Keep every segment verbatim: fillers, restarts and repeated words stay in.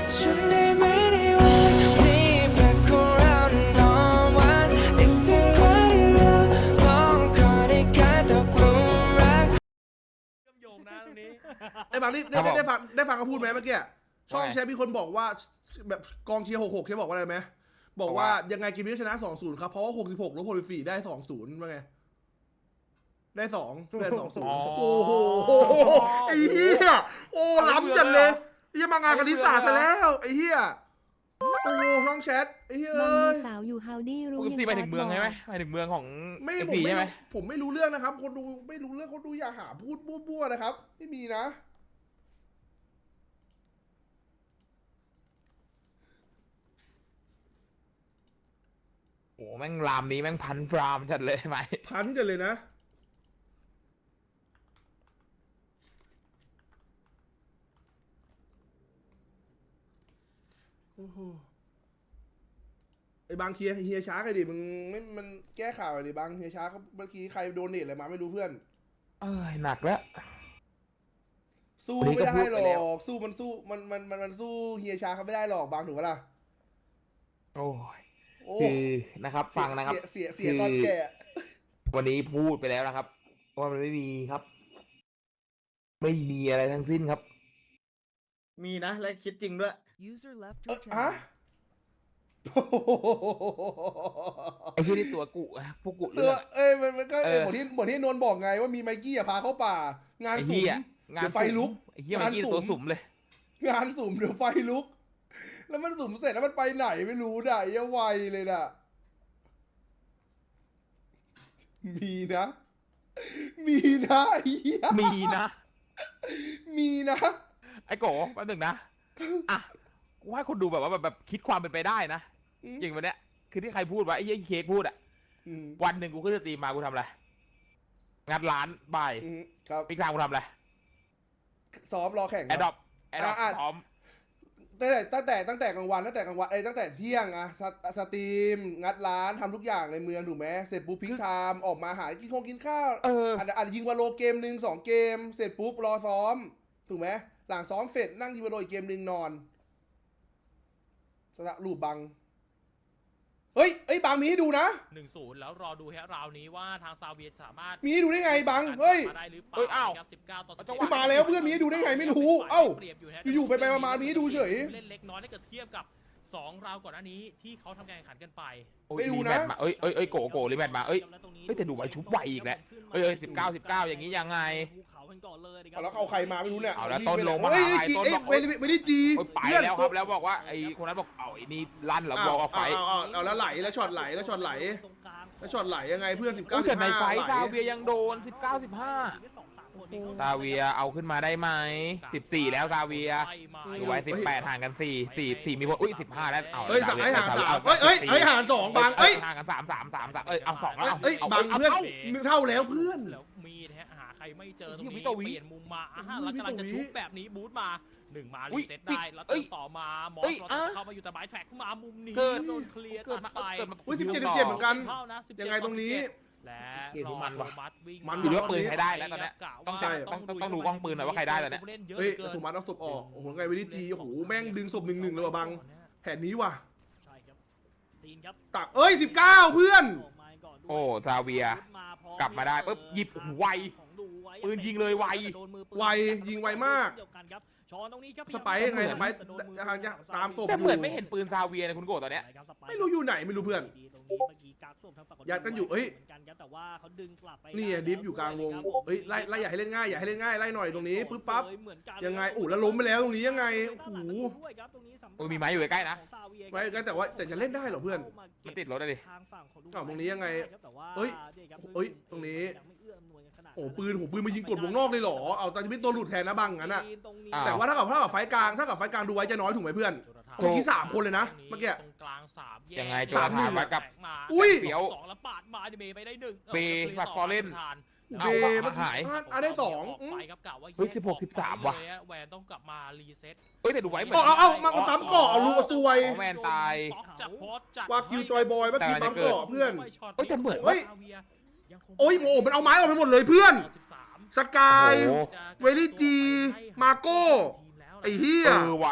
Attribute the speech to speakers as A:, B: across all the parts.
A: ฉันได้ไหมในวันที่แปลกของเรานั้นหอมหวานนึกถึงวันที่เราสองคนได้กลายตกหลุมรัก
B: เชื่อมโยงนะตรงนี้
C: ไอ้บางนี่ได้ได้ฟังได้ฟังเขาพูดไหมเมื่อกี้ช่องแชร์มีคนบอกว่าแบบกองเชียร์หกหกเขาบอกว่าอะไรไหมบอกว่ายังไงกินวิชนะสองศูนย์ครับเพราะว่าหกสิบหกลบหกสิบสี่ได้สองศูนย์ว่าไงได้สองได้สองศูนย์โอ้โหไอ้เหี้ยโอ้ล้ำจัดเลยเหี้ยมางานคณิตศาสตร์ซะแล้วไอ้เหี้ยโอ้ช่องแชทไอ้เหี้ย
D: บาง
C: เอ้
D: มี
C: ย
D: สาวอยู่ฮาวดี้รู้
B: คุณซีไปถึงเมืองใช่ไหมไปถึงเมืองของ
C: ไม่
B: เอฟ
C: ผม
B: พี
C: ไม่
B: ใช่ไหม
C: ผมไม่รู้เรื่องนะครับคนดูไม่รู้เรื่องคนดูอย่าหาพูดมั่วๆนะครับไม่มีนะ
B: โอ้แม่งรามนี้แม่งพันรามจัดเลยไหม
C: พันกันเลยนะโอ้โหไอ้บางเฮียเฮียช้ากันดิมึงไม่มันแก้ข่าวดิบางเฮียช้าเขาเมื่อกี้ใครโดนเนทอะไรมาไม่รู้เพื่อน
B: เอ้ยหนักแล้ว
C: สู้
B: วันนี้
C: ไม่
B: ก็
C: ได้
B: พูด
C: หร
B: ไปแล้ว
C: อกสู้มันสู้มันมันมันมันสู้เฮียช้าเขาไม่ได้หรอกบางถูกปะล่ะ
B: โอ้ย
C: โอ้
B: คือนะครับฟังนะครับ
C: เสียเสียเสียตอนแก่
B: วันนี้พูดไปแล้วนะครับว่ามันไม่มีครับ ไม่มีอะไรทั้งสิ้นครับ
E: มีนะและคิดจริงด้วย
A: User left
C: เอ
A: your
C: อฮะ
A: channel
B: ไอ้ที่นี่ตัวกุอะพวกกุ
C: ตั
B: เลื
C: ว
B: อด
C: เอ้ยมันมันก็
B: เอ
C: เอ้ย
B: อ
C: เหมือนที่เหมือนที่นนท์บอกไงว่ามีไมกี้อะพาเข้าป่า งาน
B: ไอ้
C: สุ่
B: เหี้
C: ม
B: ยงาน
C: เดี๋ยวไฟลุก
B: ไอ้เหี้ยเมื่อกี้
C: งานสุ่ม
B: ตัวสุ่มเลย
C: งานสุ่มเดี๋ยวไฟลุก แล้วมันสุ่มเสร็จแล้วมันไปไหนไม่รู้ด่ะไอ้ไวเลยน่ะ มีนะ มีนะไอ้เหี้ย
B: มีนะ
C: มีนะ
B: ไอ้โกแป๊บหนึงนะอ่ะกูให้คนดูแบบว่าแบบแบบคิดความเป็นไปได้นะ
C: อืม
B: อย่างวันเนี้ยคือที่ใครพูดว่าไอ้เหี้ยเค้กพูดอะ
C: อืม
B: วันหนึ่งกูขึ้นสตรีมมากูทำอะไรงัดร้านบ่าย
C: อืมครับ
B: พี่กลางกูทำอะไร
C: ซ้อมรอแข่งค
B: แอ
C: รับ
B: ดดอปแอดดอป
C: อ่ะ
B: พร้อม
C: ตั้งแต่ตั้งแต่ตั้งแต่กลางวันตั้งแต่กลางวันไอ้ยตั้งแต่เที่ยงอะสตสตรีมงัดร้านทำทุกอย่างในเมืองถูกไหมเสร็จปุ๊บพิงไทม์ออกมาหากินคงกินข้าว
B: เออ
C: อาจจะอาจจะยิงวาโลเกมหนึ่งสองเกม เสร็จปุ๊บรอซ้อมถูกไหมหลังซ้อมเสร็จนั่งยิงวาโลอีกเกมหนึ่งนอนสระรูปบังเฮ้ยเอ้ยบังมีให้ดูนะ
F: หนึ่งศูนย์แล้วรอดูฮะราวนี้ว่าทางซาเวียสามารถ
C: มีให้ดูได้ไงบังเฮ้ย
F: มาได้หรือเป
B: เอ้ย
F: ล่า
B: อ้าว
F: นะครับสิบเก้าต่อสิบ
B: จังห
F: เจ็
B: วะ
F: ด
C: มาแล้วเพื่อนมีให้ดูได้ไงไม่รู้เอ้า
F: เปรียบอยู่ฮะ
C: อยู่ๆไปๆมาๆมีให้ดูเฉย
F: เล่นเล็กน้อยถ้าเกิดเทียบกับสองราวก่อนหน้านี้ที่เขาทำการแข่งขันกันไป
B: โอ้ย
C: ไปดู
B: รีแม
C: นะ
B: ตช์มาเอ้ยเอ้ยเอ้ยโกโกรีแมตช์มาเอ้ย เฮ้ยแต่ดูไว้ชุบไวอีกแล้วเอ้ยเอ้ยสิบเก้า สิบเก้าอย่างนี้ยังไง
E: ภูเขากันก่อนเลยนะครั
C: เอาแล้วเอาใครมาไม่รู้เนี่ย
B: เอาแล้วต้นลงมา
C: เฮ้ย
B: หาใคร
C: จี
B: ต้น
C: เอ้ย
B: บอก
C: ไม่ได้ไม่ได้จี
B: โอ้ยไป
C: เพื่อน
B: แล้วครับแล้วบอกว่าไอ้คนนั้นบอกเอาไอ้นี่ลั่นเหรอบอกเอาไฟ
C: เอาเอาเอาแล้วไหลแล้วช็อตไหลแล้วช็อตไหล
E: ตรงกลาง
C: แล้วช็อตไหลยังไงเพื่อนสิบเก้า
B: อุ้ย
C: สิ
B: แต่
C: บ
B: ใน
C: ห้า
B: ไฟ
C: ไหล
B: ซาเวียยังโดน สิบเก้า สิบห้า ซาเวียเอาขึ้นมาได้ไหมสิบสี่แล้วซาเวียดูไว้สิบแปดห่างกันสี่ สี่ สี่มีคนอุ้ยสิบห้าแล้วเอา
C: เฮ้ยสาม
B: ซ
C: ให้ห่าง
B: ซ
C: สาม
B: เอ
C: เฮ้ยเฮ้ยเฮ้ยห่างสองบางเอ้ย
B: ห่างกันสาม สาม สาม สามเอ้ยเอาสองแล้วเอา
C: เอ้ย
B: เอา
C: บาง
B: เอา
C: เพื่อน
B: เอา
C: มึงเท่าแล้วเพื่อน
F: แล้วมีดฮะหาใครไม่เจอตรง
B: เฮ้ย
F: นี้
B: วิโตวิ
F: เปลี่ยนมุมมาอ่ะฮะ
C: อุ้
F: แล้ว
C: ย
F: กำลังจะ
C: วิโตวิ
F: ชุบแบบนี้บูทมาหนึ่งมา
B: อุ้
F: รี
B: ย
F: เซ็ตได้แล้ว
B: เอ้
F: เจอย ต่อมามอ
B: เอ้
F: ส
B: ย
F: เรา
B: อ่ะ
F: จะเข้ามาอยู่แต่บายแท็กมามุมนี้
B: เกิด
F: โดนเคลียร์
B: เกิด
F: ตั
B: มา
F: ดไป
B: เกิดมา
C: อุ้ยสิบเจ็ดสิบเจ็ดเหมือนกัน
F: เข้านะสิบเจ็ด
C: ยังไงตรงนี้
F: และ
B: เกม
F: ร
B: นี้
F: อ
B: มันว่ะ
F: โรมัสวิ่ง
C: มัน
B: อยู่ที่ว่าปืนใครได้แล้วตอนเนี้ย
F: กะ
B: ต้อง
F: ว่า
C: ใช่
B: ต้องต้องต้องดูกล้องปืนหน่อยว่าใครได้ตอนเนี้ย
F: ผู้ล่เยอะ
C: เฮ้ย
F: หลือกิน
C: ถูกมัดเอาศพออกโอ้โหไงวินิจีโอ้โหแม่งดึงศพหนึ่งหนึ่งเลยว่ะบังแผนนี้ว่ะ
E: ใช่ครับซีนครับ
C: ตักเอ้ยสิบเก้าเพื่อน
E: ออกมาก่นด้วย
B: โอ้ซาเวีย กลับมาได้ปุ๊บหยิบไว
E: ของดูไว้
B: ปืนยิงเลยไว
E: โดนมือปืน
C: ไวยิงไวมาก
E: เดียวกันครับช้อนตรงนี้ครับ
C: สไปร์ไงสไปร์ทางจะตามศพ
B: แต่เหมือนไม่เห็นปืนซาเวียนะคุณโกตอนเนี้ย
C: ไม่รู้อยู่ไหนไม่รู้เพื่อน
E: ตรงนี้เมื่อกี้กักศพทางฝั่ง
C: ยัดกันอยู่เอ้ย
E: หมืนกันครับแต่ว่าเขาดึงกลับไป
C: นี่อะดิฟอยู่กลางวงเฮ้ยไล่ไล่อย่าให้เล่นง่ายอย่าให้เล่นง่ายไล่หน่อยตรงนี้ปึ๊บปั๊บ
E: เหมือนกัน
C: ยังไงอู้แล้วล้มไปแล้วตรงนี้ยังไงโอ้โห
E: ด้วยครับตรงนี้สำหรับ
B: เออมีไม้อยู่ใกล้ๆนะ
E: ของซาเวีย
C: ไว้ก็แต่ว่าแต่จะเล่นได้เหรอเพื่อน
B: มันติดรถอะดิ
E: ทางฝั่งของดู
C: อ้าวตรงนี้ยังไง
E: ครับแต่ว่า
C: เอ้ย
E: นี่ครับ
C: เอ้ยตรงนี้
E: ยังไม่เอื้ออำนวยกันขนาด
C: โอ้ปืนโหปืนมายิงกดวงนอกเลยเหรอเอาตอนจะเป็นตัวหลุดแทนนะบังงั้นอะ
E: ตรงนี้
B: อ้าว
C: แต่ว่าถ้ากับถ้ากับไฟกลางถ้ากับไฟกลางดูไว้จะน้อยถูกไหมเพื่อน เมื่อกี้สามคนเลยนะเมื่อกี้
F: ตรงกลางสามแก
B: ยังไงโจ
C: สามหนึ่ง
B: ถามว่ากับ
F: มา
C: อุ้ย
B: เฟี้ยว
F: สองแล้วปาดมาดิเมย์ไปได้หนึ่ง
B: เฟย์บัตรฟอร์เรน
C: เบเมื่อกี้
B: หาย
C: อ่ะอ่ะได้สอง
F: ออก
C: อืม
F: ไปครับกะว่า
B: เฮ้ย
F: แก
B: สิบหก
F: ออ
B: สิบสาม
F: ไป
B: ว่ะ
F: เลยแวนต้องกลับมารีเซ็ต
B: เอ้ยแต่ดูไว้เหมือน
C: เอาเอาเอามามาปั๊มเกาะเอาลูกซวย
B: อ๋อแวนตาย
F: จากโพสต์จาก
C: วากิวจอยบอยเมื่อกี้ปั๊มเกาะเพื่อน
B: เอ้ยแต่เหมือน
C: เฮ้ย
F: ยังคง
C: โอ้ยโอ้มันเอาไม้ออกไปหมดเลยเพื่อน
F: สิบสาม
C: สกาย
B: โอ้โห
C: เวลี่จีมาโก้ ไอ้เหี้ย
B: เออว่ะ
E: ใช่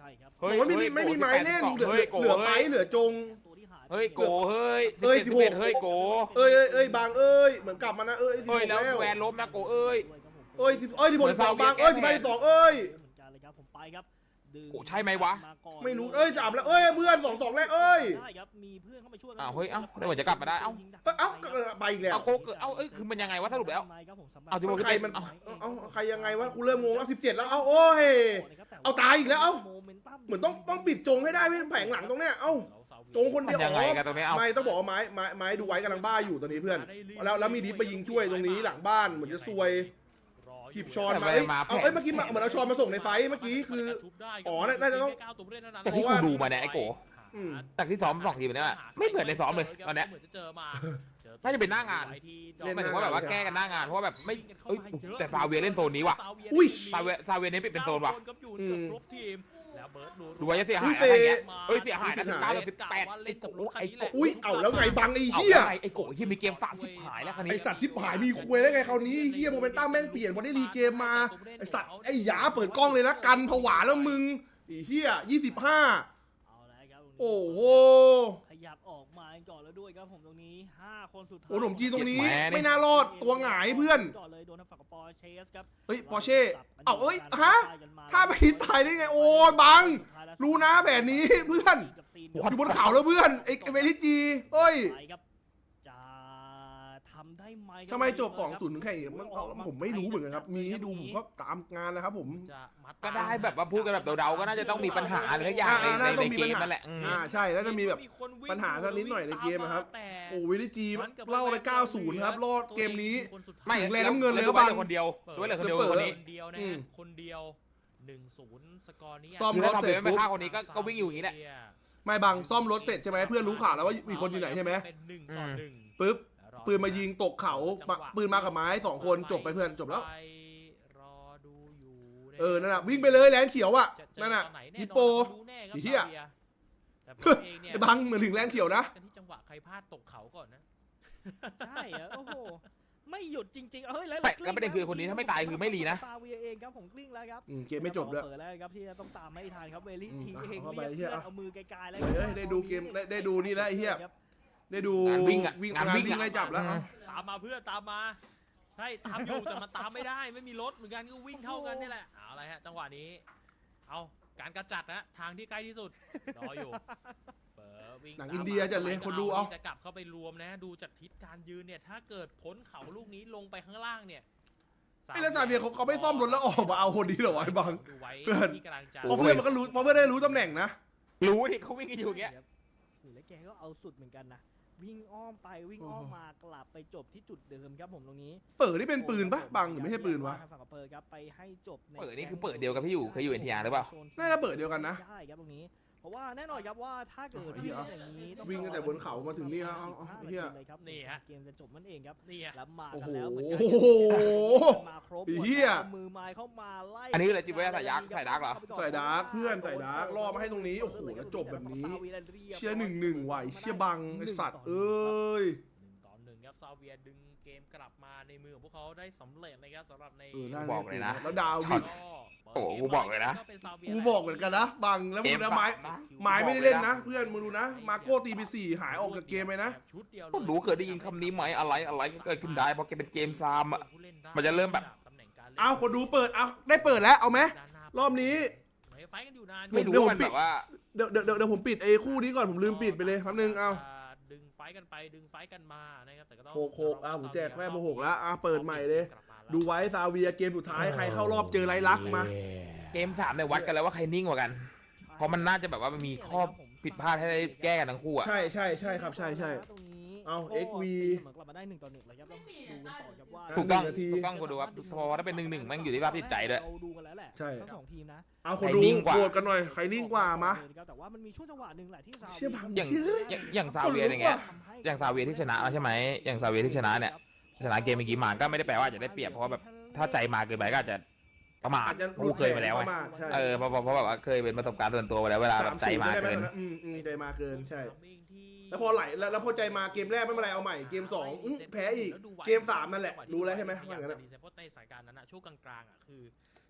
E: ครับ
B: เฮ้
C: บ
B: ย
C: อกว่าไม่มีไม่มีไม้เล่นเหลือ
B: เฮ้ยโก
C: เหลือไปเหลือจง
E: ตัวที่หายไป
B: เฮ้ยโกเฮ้ย
C: เอ้ย
B: สิบเอ็ด
C: สิบหก
B: เฮ้ยโก
C: เอ้ยเอ้ยเอ้ยบางเอ้ยเหมือนกลับมานะเอ้ยสิบ
B: เฮ้
C: ห
B: ย
C: ก
B: แล้ว
C: แล้ว
B: แวนล้มนะโกเอ้ย
C: เอ้ยสิบเอ้ยสิบหกสิบสองบางเอ้ยสิบห้าสิบสองเอ้ย
E: เหมือนกันเลยครับผมไปครับดึง
B: โอ้ใช่ไหมวะ
E: าก่อน
C: ไม่รู้เอ้ยสามแล้วเอ้ยเพื่อนสองสองแล้วเอ้ย
E: ได้ครับมีเพื่อนเข้ามาช่วย
B: อ้าวเฮ้ยเอ้าแล้วเหมือนจะกลับมาได้เอ้า
C: เอ้ยเอ้าไปอีกแล้ว
B: เอาโกเกิดเอาเอ้ยคือมันยังไงวะสรุปแล้ว เอาสิบหก
C: ใครมันเอาเอาใครยังไงวะกูเริ่มงงแล้วสิบเจ็ดแล้วเอาโอ้ย เอาตายอีกแล้วเอ้า เหมือนต้องต้องปิดจงให้ได้พี่แผงหลังตรงเนี้ยเอ้าจงคนเดียว
B: มันยังไงกันตรงนี้เอ้า
C: ไม่ต้องบอกว่าไม้ไม้ไม้ดูไว้กำลังบ้าอยู่ตอนนี้เพื่อน แล้วแล้วมีดิฟมายิงช่วยตรงนี้หลังบ้านเหมือนจะซวยหยิบช้อนมาเอ้ยเอาเอ้ยเมื่อกี้เหมือนเอาช้อนมาส่งในไฟเมื่อกี้คือ อ๋อน่าจะต้อง
B: จากที่กูดูมาเนี่ยไอ้โก
C: อืม
B: จากที่ซ้อมสองทีมเนี่ยไม่เหมือนในซ้อมเลยตอนเนี้ย
F: เหมือนจะเจอมา
B: น่าจะเป็นหน้างาน
C: เล่น
B: หมายถึงว่าแบบว่าแก้กันหน้างานเพราะว่าแบบไม่เอ้ยแต่ซาเวียเล่นโซนนี้ว่ะ
C: อุ้ย
B: ซาเวียซาเวียเน้นเป็นโซนว่ะ
C: อืม
F: ครบทีมแล้วเบิร์ด
B: ดูว่าจะเสียหาย
C: อุ้ย
B: อะไรเงี้ย
C: เตะ
B: เอ้ยเสียหายนะสิบเก้าสิบแปดไอ้โกไอ้โก
C: อุ้ยเอาแล้วไงบังไอ้
B: เอา
C: เหี้ย
B: ไงไอ้โกที่มีเกมสามชิบหายแล้วคัน
C: ไอ
B: นี้
C: สัตว์ชิบหายมีคุยได้ไงคราวนี้เฮียโมเมนตัมแม่งเปลี่ยนพอได้รีเกมมาไอสัตว์ไอหยาเปิดกล้องเลยนะกันผวาแล้วมึงไอเฮียยี่สิบห้า
E: เอาแล้วครับ
C: โอ้โห
E: ขยับออกมาก่อนแล้วด้วยครับผมตรงนี้ห้าคนสุดท้าย
C: โอ้หนุ่มจีนตรงนี้ไม่น่ารอดตัวหงายเพื่อน
E: ก่อนเลยโดนทางฝั่งของปอร์เชสครับ
C: เฮ้ยปอร์เช่เอาเอ้ยฮะถ้าไปตายได้ไงโอ้ยบังรู้นะแบบนี้เพื่อนอยู่บนเขาแล้วเพื่อนไอเวลิจีเฮ้ย
E: ไปครับจะทำได้ไหมครับ
C: ทำไมจบสองศูนย์ถึงแข่งอีกมันเอาผมไม่รู้เหมือนกันครับมีให้ดูผมก็ตามงานนะครับผม
F: จะมัด
B: ก็ได้แบบว่าพูดกันแบบเดาๆก็น่าจะต้องมีปัญหาอะไรสักอย่างใน
C: อ่า
B: ใน
C: น่าต้
B: ใน
C: องมี
B: เก
C: ปัญ
B: ม
C: หา
B: นั่นแหละอืม
C: อ่าใช่แล้วจะมีแบบ
F: คนวิ่ง
C: ปัญหาสักนิดหน่อยในเกมอะครับ
F: แต่
C: โอ้วิลิจีเล่าไปเก้าศูนย์ครับรอดเกมนี้
B: ไม่
C: ถึงแรงน้ำเงินเลย
B: แล้
C: คว รับ
B: เหลือคนเดียวด้วยเหลือคนเดียว
C: เปิด
B: คนนี้
F: คนเดียวนะ
C: อืม
F: ฮะคนเดียวหนึ่งศูนย์สกอร์นี้
C: ซ่อม
B: คือ
C: ร
B: ถ้า
C: ถ
B: ทำ
C: เสร็
B: เส
C: จ
B: ร็จ
C: ปุ๊
B: ไม่
C: บ
B: ฆ่าคนนี้ก็ก็วิ่งอยู่อย่างนี้แหละ
C: ไม่บังซ่อมรถเสร็จใช่ไหมเพื่อนรู้ข่าวแล้วว่ามีคนอยู่ไหนใช่ไหม
F: เป็นหนึ่งต่อหนึ่ง
C: ปุ๊บปืนมายิงตกเขาปะปืนมากับไม้สองคนจบไปเพื่อนจบแล้ว
F: ไปรอดูอยู่
C: เออนั่นน่ะวิ่งไปเลยแลนเขียวอ่ะ
F: จะเจอ
C: นั่นน่ะ
F: ตอไหแ
C: ฮิปโป
F: รู้แน่ครับ
C: ไอ้เหี้ย
F: ซาบีแต่ผมเองเนี่ย
C: ไอ้บังเหมือนถึงแลนเขียวนะ
F: กันที่จังหวะใครพลาดตกเขาก่อนนะ
E: ใช่อะโอ้โหไม่หยุดจริงๆเฮ้ยแล้ว
B: แต่แล้วประเด็นคือคนนี้ถ้าไม่ตายคือไม่รีนะ
E: ซาเวียเองครับผมกลิ้งแล้วครับ
C: อืมเกมไม่จบด้วย
E: เปิดแล้วครับที่จะต้องตามไม่ทันครับเวลิ
C: อืม
E: ที
C: อ่ะ
E: เอง
C: เข้าไป
E: เรียก
C: เหี้ย
E: เพื่อนเอามือไกลๆแล้ว
C: เฮ้ยได้ดูเกมได้ได้ดูนี่แล้วไอ้เหี้ย ได้ดู
B: งานวิ่งอะ
C: วิ่ง
B: งาน
C: งาน
B: วิ่ง
C: วิ่ง
B: อะ
C: ไล่จับแล้วเอา
F: ตามมาเพื่อนตามมาใช่ตามอยู่แต่มันตามไม่ได้ไม่มีรถเหมือนกันก็วิ่งเท่ากันนี่แหละเอาอะไรฮะจังหวะนี้ เอาการกระจัดนะทางที่ใกล้ที่สุดรออยู่เปิดวิ่ง
C: หนังอินเดียจัดเลยคนดูเอา
F: จะกลับเข้าไปรวมนะดูจากทิศการยืนเนี่ยถ้าเกิดพ้นเขาลูกนี้ลงไปข้างล่างเนี่ย
C: ไอ้แล้วซาเวียเขาเขาไม่ซ่อมรถแล้วออกมาเอาคนนี้เหรอวะไอ้บัง
F: ดูไว้
C: เพื่อน
F: ที่กำลังจะ
C: เพราะเพื่อนมันก็รู้เพราะเพื่อนได้รู้ตำแหน่งนะ
B: รู้ที่เขาวิ่งกันอยู่อย่างเงี้ย
E: โอ้โหแล้วแกก็เอาสุดเหมือนกันนะวิ่งอ้อมไปวิ่งอ้อมมากลับไปจบที่จุดเดิมครับผมตรงนี้
C: เปิดนี่เป็นปืนปะบังหรือไม่ใช่ปืนวะ
E: ทางฝั่งของเปิดครับไปให้จบใน
B: เปิดนี่คือเปิดเดียวกับที่อยู่เคยอยู่ เอ็น ที อาร์ หรือเปล่า
C: น่าจะเปิดเดียวกันนะ
E: ใช่ครับตรงนี้ เพราะว่าแน่นอนครับว่าถ้าเกิด
C: โอ้โหเหี้ย
E: อย่างนี้ต้อง
C: วิ่งตั้งแต่บนเขามาถึงนี่แล้วเอาเอาเหี้ย
E: เลยครับ
F: นี่ฮะ
E: เกมจะจบนั่นเองครับ
F: นี่ฮะ
E: แล้วมา
C: โอ้
E: กั
C: โห
E: นแล้วเหมือนกัน
C: โอ้โห
E: มาครบ
C: ไอ้เหี้ย
E: อามือไม้เข้ามาไล่
B: อันนี้เลยจิบไว้ใส่ยักษ์ใส่ดาร์กเหรอ
C: ใส่ดาร์กเพื่อนใส่ดาร์กล่อมาให้ตรงนี้โอ้โหแล้วจบแบบนี้ เชียร์หนึ่งหนึ่งว่ะไอ้เชียบังไอสัตว์เอ้ย
F: หนึ่งต่อหนึ่งครับซาเวียดึงเกมกลับมาในมือของพวกเขาได้สำเร็จนะครับสำหรับใน
C: เออน่า
B: บอกเลยนะ
C: แล้วดาว
B: ช็
C: วิ
B: อต
C: ด
B: โอ้โหกูบอกเลยนะ
C: กูบอกเหมือนกันนะบังแล้วมึงนะไม้ไม้ไม่ได้เล่นนะ เพื่อนมึงดูนะ มาโก้ตีไปสี่หายออกจากเกมไปนะ
F: ชุดเดียว
B: ก็รู้เคยได้ยินคำนี้ไหมอะไรอะไรก็เกิดขึ้นได้เพราะแกเป็นเกมซามอ่ะ มันจะเริ่มแบบ
C: เอาคนดูเปิดเอาได้เปิดแล้วเอาไหมรอบนี้
F: ไฟกันอยู่นาน
B: ไม่รู้
C: เดี๋ยวผม
B: ว่ามัน
C: ปิด
B: แบบว่า
C: เดี๋ยวเดี๋ยวเดี๋ยวผมปิดไอ้คู่นี้ก่อนผมลืมปิดไปเลยแป๊บนึงเอา
F: ดึงไฟกันไปดึงไฟกันมานะครับแต่ก็ต้อง
C: โหกโหกอ่ะผมแจกแค่โมหกแล้วอ่ะเปิดใหม่เลย ดูไว้ซาเวียเกมสุดท้ายใครเข้ารอบเจอไรลักษณ์มา
B: เกมสามเนี่ยวัดกันแล้วว่าใครนิ่งกว่ากัน เพราะมันน่าจะแบบว่ามันมีข้อผิดพลาดให้ได้แก้กันทั้งคู่อ่ะ
C: ใช่ใช่ใช่ครับใช่ใช่
E: ตรงนี้
C: เอา
E: ก็
C: เอ็กซ์วี
E: เสมอกลับมาได้หนึ่งต่อหนึ่งเลยครับต้องดูกันต่อครับว่า
B: ถูกต้อง
C: หนึ่งนาที
B: ถูกต้องกูดูครับพอถ้าเป็นหนึ่งหนึ่งแม่งอยู่ที่ภาพจิตใจด้วย
E: เราดูกันแล้วแหละ
C: ใช่
E: ทั้งสองทีมนะ
C: เอาคน
B: ใคร
C: ดู
B: นิ่งกว่า
C: โหวตกันหน่อยใครนิ่งกว่ามา
E: แต่ว่ามันมีช่วงจังหวะหนึ่งแหละที่ซา
C: เชี่ยบัง
B: อย่าง
C: เชื่อ
B: อย่างอย่างซาเวียอย่างเงี้ย อย่างซาเวียที่ชนะใช่ไหมอย่างซาเวียที่ชนะเนี่ย ชนะเกมเมื่อกี้มาก็ไม่ได้แปลว่าจะได้เปรียบเพราะว่าแบบถ้าใจมาเกินไปก็อาจจะประมาท
C: อาจจะ
B: กูเคยมาแล้ว
C: ป
B: ไง
C: ระมาทใช่
B: เออเพราะเพราะเพราะแบบว่าเคยเป็นประสบการณ์ส่วนตัวมาแล้วเวลาแบบใจมาเกิน
C: สสิบได้ไหอืมอืมใจมาเกินใช่ แล้วพอไหลแล้วแล้วพอใจมาเกมแรกไม่เป็นไรเอาใหม่เกมสองอื้อแพ้อีกเกมสามนั่นแหละรู้แล้วใช่ไหมว่างั้นอะ
F: เพราะในสายการนั้นอะช่วงกลางๆอะคือจะ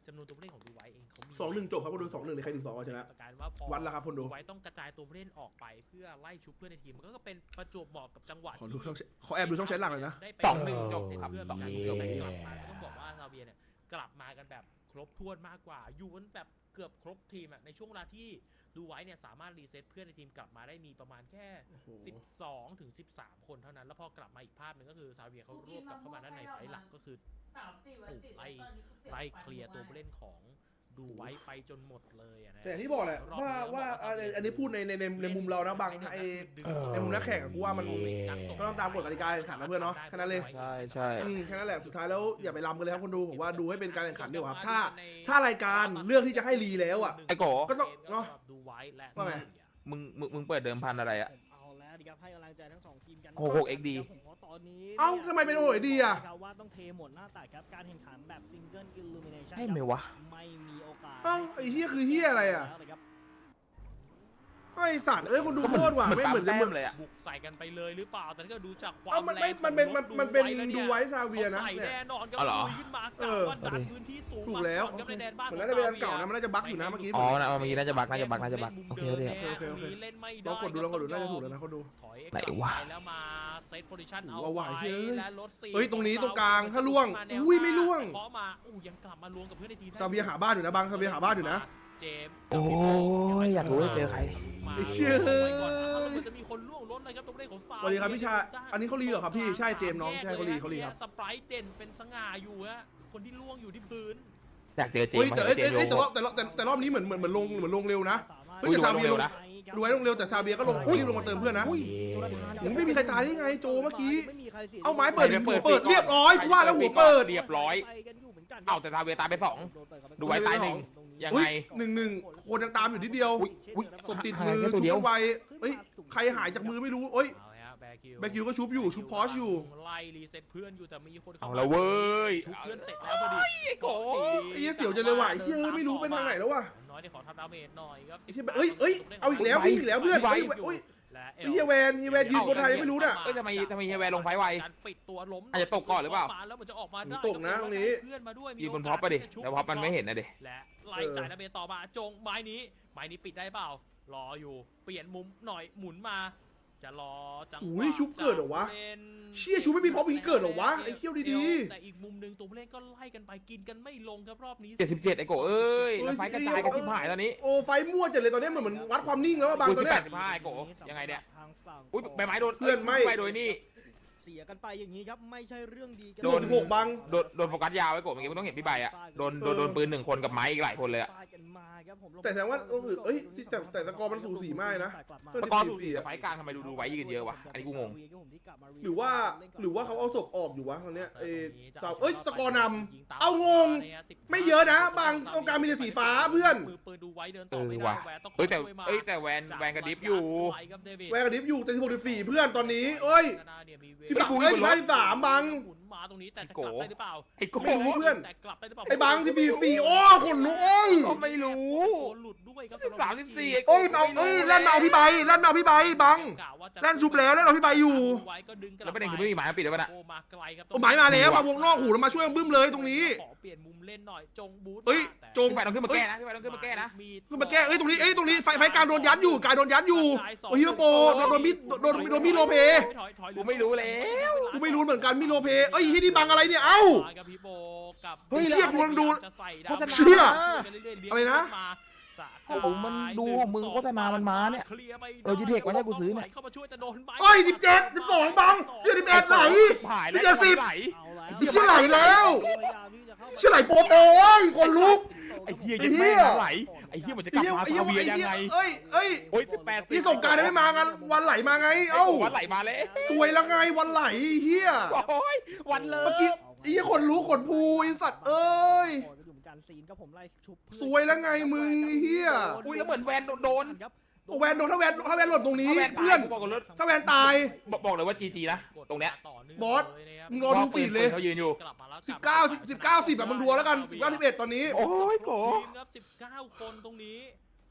F: จำนวนตัวผู้เล่นของดูไว้เองเขามี
C: สองหนึ่งจบครับคนดูสองหนึ่งในใครถึงสองก็ชนะ
F: ประการว่าพอ
C: วัดแล้วครับคนดู
F: ไว้ต้องกระจายตัวผู้เล่นออกไปเพื่อไล่ชุบเพื่อนในทีมมันก็เป็นประจวบเหมาะกับจังหวะ
C: ขอดูช่องขอแอบดูช่องแชทหลังเลยนะ
F: ได้ไป
B: สองหนึ่งจบครับ
F: เพื่อน
B: สองหนึ่ง
F: เพื่
B: จ
F: อน
B: บ
F: กลับมาต้องบอกว่าซาเวียเนี่ยกลับมากันแบบครบถ้วนมากกว่า อยู่กันแบบเกือบครบทีมอะในช่วงเวลาที่ดูไว้เนี่ยสามารถรีเซ็ตเพื่อนในทีมกลับมาได้มีประมาณแค่
C: โอ้โห
F: สิบสองถึงสิบสามคนเท่านั้นแล้วพอกลับมาอีกภาพหนึ่งก็คือซาเวียเขารวบกลับเข้ามาด้านในไฟล์หลักก็คือ
D: สามสี่วันติด
F: ไล่
D: ตอนนี้คือเสีย
F: ไล่
D: ขวัญ
F: เคลียร์ตัว
D: มาก
F: ผู้เล่นของดูไว้ไปจนหมดเลยอะนะ
C: แต่อย่างที่บอกแหละว่าว่าอันอันนี้พูดในในในในมุมเรานะบางไอ ในมุมนักแข่งอะกูว่ามันก็ต้องตามกฎกติกาแข่งขันนะเพื่อนเนาะแค่นั้นเลย
B: ใช่ใช่
C: อืมแค่นั้นแหละสุดท้ายแล้วอย่าไปรำกันเลยครับคนดูผมว่าดูให้เป็นการแข่งขันดีกว่าครับถ้า ถ้ารายการเลือกที่จะให้รีแล้วอ่ะ
B: ไอ้โก
C: ก็ต้องเนอะ
F: ดูไว้และ
C: ว่าไง
B: มึงมึงมึงเปิดเดิมพันอะไรอะ
E: ผมเอาแล้วดีครับให้กำลังใจทั้งสองทีมกัน
B: หกหก เอ็กซ์ ดี
E: ผมเพราะตอนนี้
C: เอ้าทำไมเป็นโอ้ยดีอ่ะ
E: ครับว่าต้องเทหมดหน้าตักครับการแข่งขันแบบซิงเกิลอิลลูมิเนชั่น
B: ให้ไหมวะ
E: ไม่มีโอกาส
C: เอ้าไอ้เฮียคือเฮียอะไรอ่ะ
E: แล้วเลยครับ
C: ไอ้สัตว์เอ้ยคนดูโคตรว่ะไม่เหมือนจะเหมือน
B: เลยอะ
F: บุกใส่กันไปเลยหรือเปล่าแต่ถ้าเกิดดูจากความ
C: เอ้ามันไม่
F: แรง
C: มันเป็น
F: ของ
C: มัน
F: รถ
C: มันเป็น
F: แล้ว
C: ดู
F: ย
C: ไว้ซาเวียนะ
F: เขาใส่
C: เนี่ย
F: แน่นอนครับ
B: อ๋อเหรอ
F: ลุยขึ้นมา
C: เออ
F: กะว่าดันพื้นที่สูง
C: ถูกแล้ว
F: มาก่อนครับในแดนบ้าน
C: เหมือน
F: ข
C: น่า
F: อง
C: จะเป็นอัน
F: ซ
C: เก่านะมันน่าจะบั๊กอยู่นะเมื่อกี้
B: อ๋อนะเมื่อกี้น่าจะบักน่าจะบักน่าจะบัก
F: มุม
B: โอเค
F: ดิม
B: โอเค
F: แน่
C: โอเคโอเค
F: ตรงนี้เล่นไม่
C: ล
F: ได้
C: องกดดูลองกดดูน่าจะถูกแล้วนะเขาดู
F: ถอย
B: ไหน
F: กลับ
B: วะ
F: ไปแล้วมาเซตโพซิชั่นเอา
C: เอาว่ะ
F: ไว้
C: เฮ้ย
F: และรถสี่
C: เฮ้ยตรงนี้ตรงกลางถ้าล่วง
F: มาแนว
C: อุ้ย
F: หน้า
C: ไม่ล่วง
F: เคาะมาอู้ยังกลับมาล่วงกับเพื่อนในทีมได้
C: ซาเวียหาบ้านอยู่นะบางซาเวียหาบ้านอยู่นะ
F: เจมส์
B: โอ้ยอยากรู้ว่าเจอใคร
F: มา
C: ไอ้เชี่ย
F: ลงไปก่อนเอาแล้วมันจะมีคนล่วงรถเลยครับตรงเลขของซา
C: สวัสดีครับพี่ชายอันนี้เขารีเหรอครับพี่ใช่เจมส์น้องใช่เขารีเขารีครับ
F: สไปร์เด่นเป็นสง่าอยู่ฮะคนที่ล่วงอยู่ที่พื้น
B: อยากเจอเจม
C: เฮ้ย
B: ส์
C: แต่
B: มา
C: เอ้ย
B: เจ
C: เอ้ย
B: มส์
C: แต่
B: โย
C: รอบแต่รอบแต่แต่รอบนี้เหมือนเหมือนเหมือนลงเหมือนลงเร็วนะ เฮ้ย
B: อุ้ย
C: แต่ซาเวีย
B: ดูไว้ลงเร็วนะ
C: ดูไว้ลงเร็วแต่ซาเวียก็ลงรีบลงมาเติมเพื่อนนะ
B: อุ้ย
C: ยังไม่มีใครตายได้ไงโจเมื่อกี้
E: ไม่มีใครสีย
C: เอาไม้เปิด
B: ไม่
C: หั
B: ได้
C: ว
B: เปิ
C: เปิ
B: ด
C: ดเรียบร้อยกูว่าแล้วหัวเปิด
B: เรียบร้อย
E: ไปกันอยู่เหมือนกัน
B: เอ้าแต่ซาเวียตายไปสอง ดูไว้ตายหนึ่ง ยัง
C: เฮ้
B: ไง
C: ยหนึ่งหนึ่งคนยังตามอยู่นิดเดียว
B: อุ๊ยอุ๊ย
C: ศพติด
B: หาย
C: มือ
B: แค่ตั
C: ชุ
B: ว
C: บ
B: เดียว
C: กันไวเฮ้ยใครหายจากมือไม่รู้เอ้ย
F: เอาเลยฮะแบร์คิว
C: แบร์คิวก็ชุบอยู่ชุบพอชอยู่
F: ไล่รีเซ็ตเพื่อนอยู่แต่มีคนเข้า
B: เอา
F: มา
B: ละเว้ย
F: ชุบเพื่อนเสร็จแล้วพอดี
B: ไอ้โก
C: ไอ้เหี้ยเสี่ยวจังเลยว่ะไอ้เหี้ยเอ้ยไม่รู้เป็นทางไหนแล้วว่ะ
F: น้อยได้ขอทำดาเมจหน่อยครับ
C: ไอ้เหี้ยเอ้ยเอ้ยเอาอีกแล้ววิ่งอีกแล้วเพื่อนเอ้ยเอ้ย
F: และ
C: ไอ้เหี้ยแวนเหี้ยแวนยืนบนไทยไม่รู้น่ะ
B: เอ้ยทำไมทำไมเฮียแวร์ลงไฟไว
F: การปิดตัวล้ม
B: อาจจะตกก่อนหรือเปล่า
F: แล้วมันจะออกมาได้
C: ตกนะตรงนี้
F: เพื่อนมาด้วย
B: ยืนบนพ็อปไปดิแล้วพ็อปมันไม่เห็นนะดิ
F: และไล่จ่ายดาเมจต่อมาจงไม้นี้ไม้นี้ปิดได้เปล่ารออยู่เปลี่ยนมุมหน่อยหมุนมา จะรอจังห
C: อุ้
F: วะ
C: ยชุบเกิดเหรอวะ
F: จป็น
C: เชี่ยชุบไม่มีพร้อมอย่างนี้เกิดเหรอวะไอ้เขี้ยวดีๆ
F: แต่อีกมุมหนึ่งตัวผู้เล่นก็ไล่กันไปกินกันไม่ลงครับรอบนี้
B: เจ็ดสิบเจ็ดไอ้โกเอ้ยแล้วไฟกระจายกันชิบหายตอนนี้
C: โอ้ไฟมั่วจัดเลยตอนนี้เหมือนเหมือนวัดความนิ่งแล้วอะบาง
B: อุ้ย
C: ตัวเนี้ย
B: สิบห้าไอ้โกยังไงเนี่ย
E: ทางฝั่ง
B: อุ้ยใบไม้โดน
C: เพื่อนไม่
B: ใบโดยนี่
E: เสียกันไปอย่างนี้ครับไม่ใช่เรื่องดีกัน
C: โดนสิบหกบัง
B: โดนโดนโฟกัสยาวไอ้โกเมื่อกี้มึงต้องเห็นพี่ใบอะโดนโดนโดนปืนหนึ่งคนกับไม้อีกหลายคนเลยอะ
E: ฟาดกันมาครับผม
C: แต่แสดงว่าตัวอื่นเอ้ยแต่แต่สกอร์มันสูสีมากนะ
B: ตะกอนสูสีแต่ไฟกลางทำไมดูดูไว้ยืนเยอะวะอันนี้กูงง
C: หรือว่าหรือว่าเขาเอาศพออกอยู่วะตอนเนี้ยเอ้ยเจ้าเอ้ยสกอร์นำเอางง ไม่เยอะนะบางตรงกลางมีแต่สีฟ้าเพื่อน
F: มือปืนดูไว้เดิน
B: เอ
F: ต่อ
B: อ
F: ไม่ได้
B: ว่ะ
F: แหวนต้อง
B: เอ้ยแต่
F: คช่วมา
B: เอ้ยแต่แวนแวนกระดิฟอยู่
F: ไว้ครับเดวิด
C: แวร์กระดิฟอยู่แต่สิบหกสิบสี่เพื่อนตอนนี้ เอ้ย
F: ข้างหน้าเนี่ยมีเว
C: สิบสามเอ้ยสิบห้าสิบสามบัง
F: หมุนมาตรงนี้แต่จะกลับได้หรือเปล่า
B: ไอ้โก
C: ไม่รู้เพื่อน
F: แต่กลับได้หรือเปล่า
C: ไอ้บังสิบสี่สี่โอ้ขนลุกเอ้ย
B: ก็ไม่รู้
F: โดนหลุดด้วยครับ
B: สิบสามสิบสี่
C: เอ้ยเอาเอ้ยลั่นมาเอาพี่ใบลั่นมาเอาพี่ใบบัง
F: กะว่าจะ
C: ลั่นชุบแล้วลั่นเอาพี่ใบอยู่
F: ไว้ก็ดึงกลับ
B: แล้วประเด็นคือไม่มีหมายมาปิดแล้วป่ะน่ะ
F: โอ้มาไกลครับ
C: โอ้หมายมาแล้วมาวงนอกหูแล้วมาช่วยบึ้มเลยตรงนี้
F: ขอเปลี่ยนมุมเล่นหน่อยจงบูท
C: เอ้ย
F: แต่
C: จง
B: พี่ใบต้องขึ้นมาแก้นะพี่ใบต้องขึ้นมาแก้นะ
C: ขึ้นมาแก้เอ้ยตรงนี้เอ้ยตรงนี้ไฟไฟกลางโดนยัดอยู่กายโดนยัดอยู่โอ้ยฮิโรโปโดนโดนมิดโดนโดนมิดโลเพ
F: ถอยถอย
B: กูไม่รู้แล้ว
C: กูไม่รู้เหมือนกันมิดโลเพเอ้ยที่นี่บังอะไรเนี่ยเอ้า
F: มากับพี่โบกับ
C: เฮ้ยเชี่ยกูกำลังดู
F: จะใส่ดาว
B: โฆษณา
C: เชี่ย
F: เลี้ยง
C: อะไรนะ
F: มาสะ
B: โอ้โหมันดูมึงโฆษณามันมาเนี่ย
F: คลีร์ไป
B: เออ G-Tech วะเนี่ยกูซื้อเนี่ย
F: เข้ามาช่วยแต่โดนใบ
C: เอ้ยสิบเจ็ดสิบสองบังเชี่ยสิบเอ็ดไหล
B: หายแล้ว
C: เจ็ดสิบ
B: ไหล
C: ไอ้เชี่ยไหลแล้ว เชี่ยไหลโปโตเอ้ยคนลุก
B: ไอ้เหี้ย
C: ไอ้
B: ยัง
C: เหี้
B: ไม่
C: ย
B: ไหลไอ้เหี้ยมันจะก
C: ไอ้
B: ลับ
C: เหี้ย
B: มา
C: ไอ้
B: ซา
C: เหี้ย
B: เวีย
C: ไอ้
B: ยัง
C: เหี้ย
B: ไง
C: เอ้ยเอ้ย
B: โอ้ยสิบแปด
C: ที่ส่งกรารได้ไม่มากันวันไหลมาไงเอ้า
B: วันไหลมาเลย
C: สวยแล้วไงวันไหลเฮีย
B: โอ้ยวันเลย
C: เมื่อกี้ไอ้เหี้ยคนรู้ขนภูไอ้สัตว์เอ้ย สวยแล้วไงมึงไอ้เหี้ย
B: อุ้ยแล้วเหมือนแวนโดน
C: โอ้แวนโดนถ้าแวนถ้าแวนหล่นตรงนี้
B: ถ้าแวนตาย
C: เพื่อน
B: บอกก่อนเลย
C: ถ้าแวนตาย
B: บอกบอกเลยว่าจีจีนะตรงเนี้ย
C: บอส มึงรอดูฟีดเลย
B: เขายืนอยู่
F: กลับมาแล้ว
C: สิบเก้าสิบสิบเก้าสิบแบบมึงรัวแล้วกันสิบเก้าสิบเอ็ดตอนนี้
B: โอ้ยโก
F: ทีมครับสิบเก้าคนตรงนี้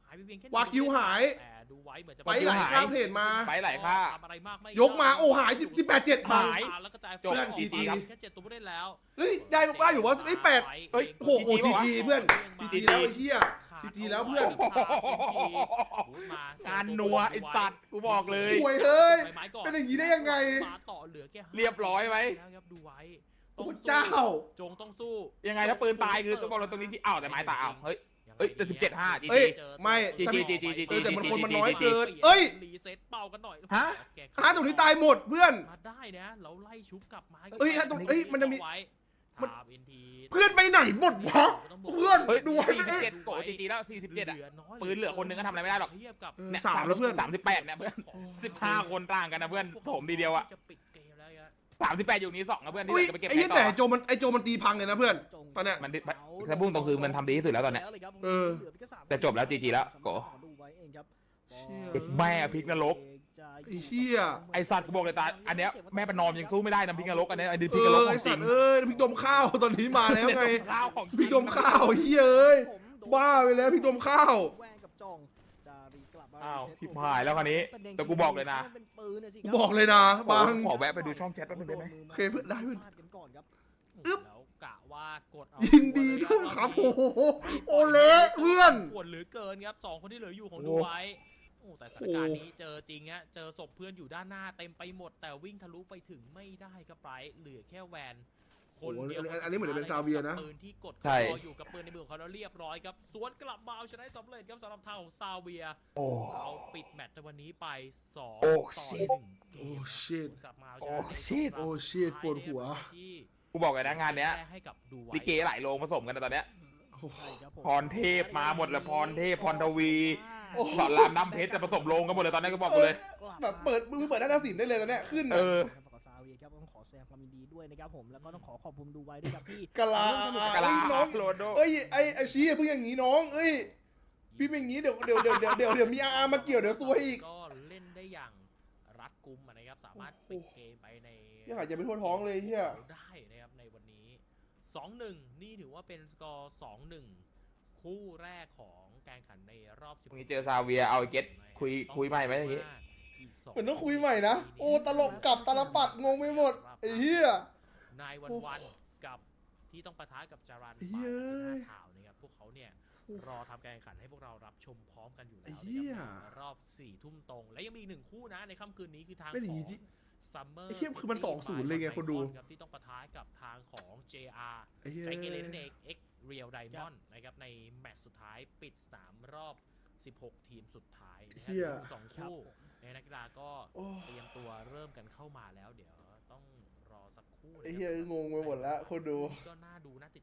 F: หายไปเพียงแค่
C: วากิวหาย
F: แต่ดูไว้เหมือนจะ
C: ไปไหลข้ามเพจมา
B: ไปไหลค่า
F: ทำอะไรมากไม่
C: ยกมาโอ้หายสิบแปดเจ็ดบาท
B: หาย
F: แล้วกระจาย
B: จบ
C: เพื่อน
F: จี
C: จี
F: จี
C: จี
F: แค่เจ็ดตัวผู้เล่นแล้ว
C: เฮ้ยได้ได้อยู่ว่าไอ้แปด
B: เอ้ย
C: โอ้โห
B: จี
C: จี
B: จี
C: จีเพื่อน
F: มา
C: จีจีแล้วไอ้เหี้ย จีจีแล้วเพื่อน
B: การนัวไอสัตว์กูบอกเลย
C: ห่วยเฮ้ย
F: ใบไม้ก่อน
C: เป็นอย่างนี้ได้ยังไง
F: มาต่อเหลือแค่ห้า
B: เรียบร้อยไหม
F: แล้วครับดูไว้
C: โอ้เจ้า
F: จงต้องสู้
B: ยังไงถ้าปืนตายคือต้องบอกเราตรงนี้ที่อ้าวแต่ไม้ตายอ้าวเฮ้ย เอ้ยแต่สิบเจ็ดห้า จี
C: เอ้ย
B: จี
C: ไม่
B: จีจีจีจีจี
C: เออแต่มันคนมันน้อย
B: จีจี
C: เกินเอ้ย
F: รีเซ็ตเป่ากันหน่อย
B: ฮะ
F: แก
C: ฮะตรงนี้ตายหมดเพื่อน
F: มาได้นะแล้วไล่ชุบกลับมา
C: เอ้ยฮะตรงเอ้ยมันจะมี
F: ไว้
C: มัน
F: ถาม เอ็น ที
C: เพื่อนไปไหนหมดวะ เพื่อน
B: เฮ้ย
C: ดู
B: ดู
C: ให้
B: สี่สิบเจ็ดโกจีจีแล้วสี่สิบเจ็ดอ่ะ
F: หลืน้ย
B: ปืนเหลือคนหนึ่งก็ทำอะไรไม่ได้หรอก
F: เทียบกับ
C: เออสามแล้วเพื่อน
B: สามสิบแปดเนี่ยเพื่อนสิบห้าคนต่างกันนะเพื่อนโถมทีเดียวอ่ะ
F: จะปิดเกมแล้วครับ
B: สามสิบแปดอยู่นี้สองนะเพื่อนที่
C: อุ้ย
B: จะไปเก็บ
C: ไอ้เหี้ย
B: ต่
C: แต่
B: อ
C: ไอ้โจมันไอ้โจมันตีพังเลยนะเพื่อน ตอนเนี้ย
B: มันถ้าพุ่งตรงคือมันทำดีที่สุดแล้วตอนเนี้ย
C: เออ
B: แต่จบแล้ว จี จี แล้วโก
E: ดูไว้เองครับ
C: เชี่ย
B: แม่พลิกนรก
C: ไอ้เหี้ย
B: ไอสัตว์กูบอกเลยตาอันเนี้ยแม่ประนอมยังสู้ไม่ได้นะพิกนรกอันเนี้ยไอ้ดิ
C: เอ
B: พิกนรก
C: อ
B: ขอ
C: ไอ้
B: งจ
C: สั
B: ริ
C: ต
B: ง
C: ว์เอ้ยพริกดมข้าวตอนนี้มาแล้วไง
B: ข้าวของ
C: พริกดมข้าวเหี้ยเอ้ย บ้าไปแล้วพริกดมข้าว
E: แว่งกับจองจะรีกลับมา
B: อ้าว
E: รีเซ็ต
B: ชิบหายแล้วคราวนี้แต่กูบอกเลยนะ
E: เป็นปืนน่ะสิค
C: กู
E: รับ
C: บอกเลยนะบาง
B: ขอแวะไปดูช่องแชทแป๊บนึงได้ไหม
C: โอเคเพื่อนได้เพื่อน
E: พลากันก่อนครับ
C: อึ๊บ
F: แล้วกะว่ากดเอา
C: ยินดีด้วยครับโอ้โหโอเละเพื่อน
F: ปวดเหลือเกินครับสองคนที่เหลืออยู่ของ
B: โอ้
F: ดูไว้โอ้แต่สถานการณ์นี้เจอจริงฮะเจอศพเพื่อนอยู่ด้านหน้าเต็มไปหมด แต่วิ่งทะลุไปถึงไม่ได้ครับไปเหลือแค่แวนคนเดียว
C: โอ้โหอันอันนี้เหมือนจะเป็นซาเวียนะ
F: ปืนที่กด
B: ใช่
F: คออยู่กับปืนในมือของเขาแล้วเรียบร้อยครับสวนกลับมาเอาชนะสำเร็จครับสำหรับทางของซาเวีย
B: โอ้
F: เราปิดแมตช์ในวันนี้ไปสอง
B: โอ้
F: ต่อ
B: shit
F: หนึ่งเก
C: โอ้
F: ม
C: shit
F: กลับมาเอาช
B: โอ้
F: นะใน
B: shit
F: รบ
C: โอ้ shit ปวดหัว
F: ที่
B: กูบอกเลยนะงานเนี้ย
F: แก้ให้กับดูไว้
B: ลิเกหลายโรงผสมกันนะตอนเนี้ย
C: โอ้โห
E: ใช่ครับผม
B: พรเทพมาหมดเลยพรเทพพรทวี
C: โอ้โห
B: สอนรามน้ำเพชรจะผสมโรงกันหมดเลยตอนนี้ก็บอกกูเลย
C: แบบเปิดมือเปิดหน้าศิลป์ได้เลยตอนเนี้ยขึ้น
B: เอ
C: อะ
B: อ
E: ครับกับซาเวียครับต้องขอแสดงความยินดีด้วยนะครับผมแล้วก็ต้องขอขอบคุณดูไว้ด้วยครับที่
C: กะลา
E: ร่วมสนุ
B: กะลา
C: เอ้ยน้อง
B: โรนลโด
C: เอ้ยไอ้ไอ้ชี้เพิ่งอย่างงี้น้องเอ้ยพี่เป็นอย่างงี้เดี๋ยวเดี๋ยวเดี๋ยวเดี๋ยวเดี๋ยวเดี๋ยวมีอาร์มาเกี่ยวเดี๋ยวซวยอีก
F: ก็เล่นได้อย่างรัดกุมอะนะครับ สามารถปิดเกมไปใน
C: ยังหายใจไม่ทั่วท้องเลยเฮีย
F: ได้นะครับในวันนี้ สองหนึ่ง นี่ถือว่าเป็นสกอร์ สองหนึ่ง คู่แรกของการแข่งขันในรอบสิบ
B: พรุ่งนี้เจอซาเวียเอาไอ้เก็ตคุยคุยใหม่ไหมอย่างงี้
C: เหมือนต้องคุยใหม่นะโอ้ตลกกลับตลปัดงงไปหมดไอ้เฮีย
F: นายวันวันกับที่ต้องปะทะกับจารัน
C: ไอ้เหี้ย
F: ข่าวนะครับพวกเขาเนี่ยรอทำการแข่งขันให้พวกเรารับชมพร้อมกันอยู่แล้ว
C: ไอ้
F: นะ
C: เหี้ย
F: ครับในรอบสี่ทุ่มตรง และยังมีอีกหนึ่งคู่นะในค่ำคืนนี้คือทาง
C: เป็นอ
F: ข
C: ย่าง
F: อ
C: งี้
F: ง
C: ที่
F: ซัมเมอร์
C: ไอ้เหี้ยคือมันสองศูนย์เลยไงคนดู
F: ครับที่ต้องปะทะกับทางของ เจ อาร์
C: ไอ้เฮีย
F: ใจเกเรนั่นเอง X Real Diamond นะครับในแมตช์สุดท้ายปิดสนามรอบ สิบหก ทีมสุดท้ายนะครั
C: เหี้ย
F: สองคู่ในนักกีฬาก็
C: โอ้
F: เตรียมตัวเริ่มกันเข้ามาแล้วเดี๋ยวต้องรอสักครู่นะ
C: ไอ้เหี้ยงงไปหมดแล้วคนดู
F: ก็น่าดูน่าติด